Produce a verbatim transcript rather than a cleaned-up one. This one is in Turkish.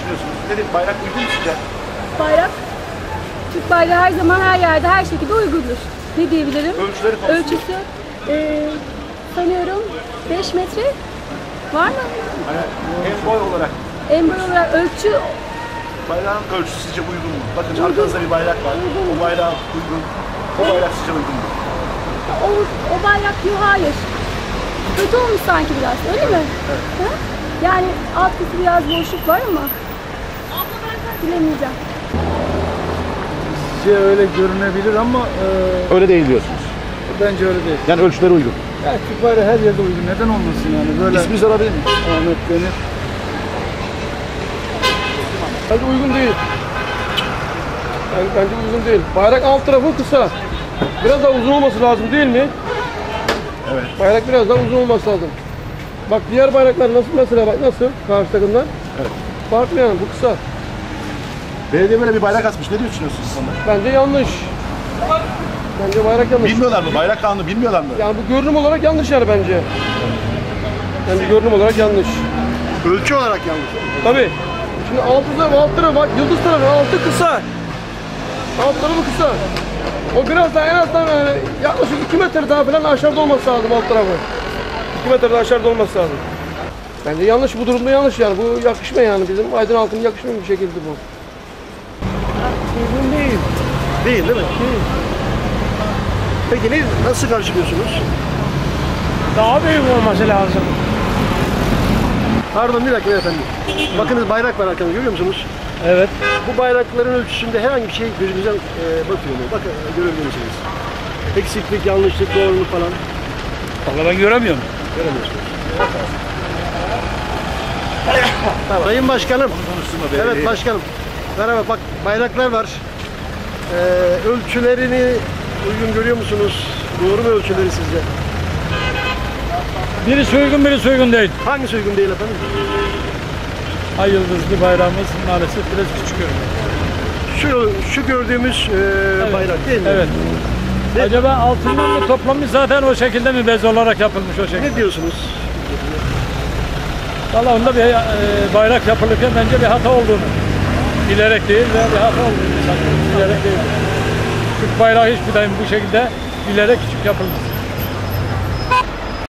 düşünüyorsunuz? Nedir? Bayrak uygun mu sizce? Bayrak, Türk bayrağı her zaman her yerde her şekilde uygundur. Ne diyebilirim? Ölçüleri konusunda. Ölçüsü e, sanıyorum beş metre var mı? Hani en boy olarak. En boy olarak ölçü Bayrağın ölçüsü sizce uygun mu? Bakın arkanızda bir bayrak var. Uygun. O bayrak uygun. O bayrak sizce uygun mu? o, o bayrak yok, hayır. Kötü olmuş sanki biraz, öyle mi? Evet. Ha? Yani alt kısmı biraz boşluk var ama bilemeyeceğim. Sizce öyle görünebilir ama e, Öyle değil diyorsunuz. bence öyle değil. Yani ölçüleri uygun. Ya Türk bayrağı her yerde uygun. Neden olmasın yani? Böyle İsminizi alabilir miyim? Ahmet Demir. Bence uygun değil. Yani bence uygun değil. Bayrak alt tarafı kısa. Biraz daha uzun olması lazım değil mi? Evet. Bayrak biraz daha uzun olması lazım. Bak diğer bayraklar nasıl mesela, bak nasıl karşı takımdan? Evet. Farklı yani, bu kısa. Belediye böyle bir bayrak asmış. Ne düşünüyorsunuz bu konuda? Bence yanlış. Bence bayrak yanlış. Bilmiyorlar mı? Bayrak kanunu bilmiyorlar mı? Yani bu görünüm olarak yanlış yani bence. Bence görünüm olarak yanlış. Ölçü olarak yanlış. Tabii. Şimdi altı tarafı, alt tarafı bak, yıldız tarafı altı kısa. Alt tarafı kısa. O biraz daha en azından yani yaklaşık iki metre daha falan aşağıda olması lazım alt tarafı. iki metre daha aşağıda olması lazım. Bence yanlış, bu durumda yanlış yani. Bu yakışma yani, bizim Aydın halkının yakışmayan bir şekilde bu. Uygun değil. Değil değil mi? Değil. Peki ne, nasıl karşılıyorsunuz? Daha büyük olması lazım. Pardon bir dakika efendim. Bakınız bayrak var arkanızda, görüyor musunuz? Evet. Bu bayrakların ölçüsünde herhangi bir şey gözünüze e, batıyor mu? Bakın görebilir misiniz? Eksiklik, yanlışlık, doğruluk falan Vallahi ben göremiyorum. göremiyorsunuz. Tamam. Sayın Başkanım. Evet başkanım. Merhaba, bak bayraklar var. Ee, ölçülerini uygun görüyor musunuz? Doğru mu ölçüleri sizce? Birisi uygun, birisi uygun değil. Hangisi uygun değil efendim? Ay yıldızlı bayrağımız maalesef biraz küçük görünüyor. Şu, şu gördüğümüz e, Evet. bayrak değil mi? Evet. Ne- Acaba altından mı toplanmış, zaten o şekilde mi bez olarak yapılmış o şekilde? Ne diyorsunuz? Vallahi onda bir e, bayrak yapılırken bence bir hata olduğunu. Bilerek değil ve bir hata olduğunu sanıyorum. Bilerek değil. Türk bayrağı hiçbir daim bu şekilde bilerek küçük yapılmış.